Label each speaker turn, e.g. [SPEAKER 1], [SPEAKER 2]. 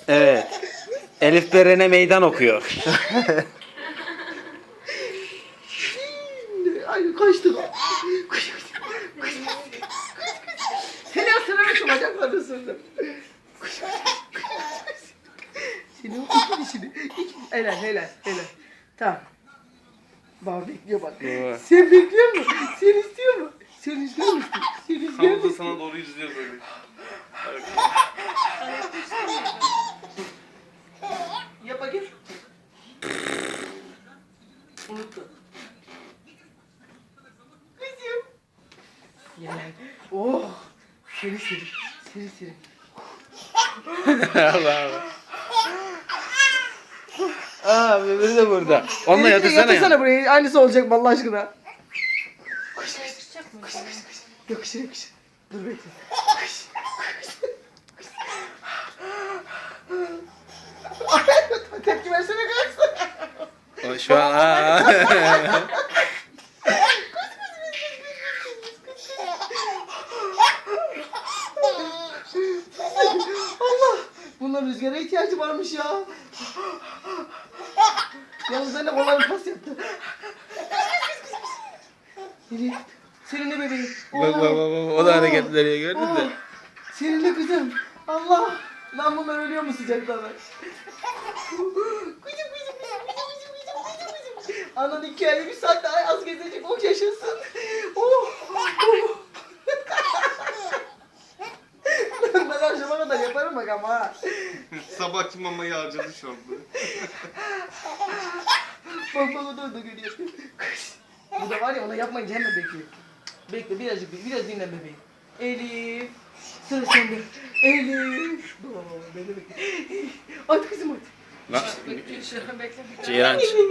[SPEAKER 1] Evet. Elif Beren'e meydan okuyor.
[SPEAKER 2] Ay kaçtı. Seni ısırırım bacaklarını ısırdım. Seni o iki dişini. Helal. Tamam. Baba bekliyor bak.
[SPEAKER 1] Baba.
[SPEAKER 2] Sen bekliyor musun? Sen istiyor mu? Sen istiyor musun? Sen istiyor
[SPEAKER 3] Tam da
[SPEAKER 2] musun?
[SPEAKER 3] sana doğru izliyor böyle.
[SPEAKER 2] Yap bakayım. Unuttu. Kızım. Yani. Oh. Seri.
[SPEAKER 1] Allah Allah. Aa bebeği de burada. Onunla yatırsana ya.
[SPEAKER 2] Yatırsana buraya. Aynısı olacak Allah aşkına.
[SPEAKER 4] Yakışacak mı?
[SPEAKER 2] Yakışır. Dur bekle. Tepki versene kız.
[SPEAKER 1] O şu an
[SPEAKER 2] Allah! Bunların rüzgara ihtiyacı varmış ya. Yalnız ben de kolay bir pas yaptı. Elif, senin de bebeğin.
[SPEAKER 1] bak. O da hareketleri gördün mü?
[SPEAKER 2] Senin de kızım. Allah! Lan bunlar ölüyor mu sıcaktan? Kızım. Anan 2 ay 1 saat daha az gezecek, o yaşasın. Ben akşama kadar yaparım bak ama ha.
[SPEAKER 3] Sabahki mamayı harcadı şu anda.
[SPEAKER 2] Bak o da geliyor. Bu da var ya, ona yapmayınca hemen bekliyor. Bekle biraz dinlen bebeğim. Elif. Sıra sende. Elif. Beni bekle. Hadi kızım hadi.
[SPEAKER 1] Lan
[SPEAKER 4] Bekle.
[SPEAKER 1] Ceyran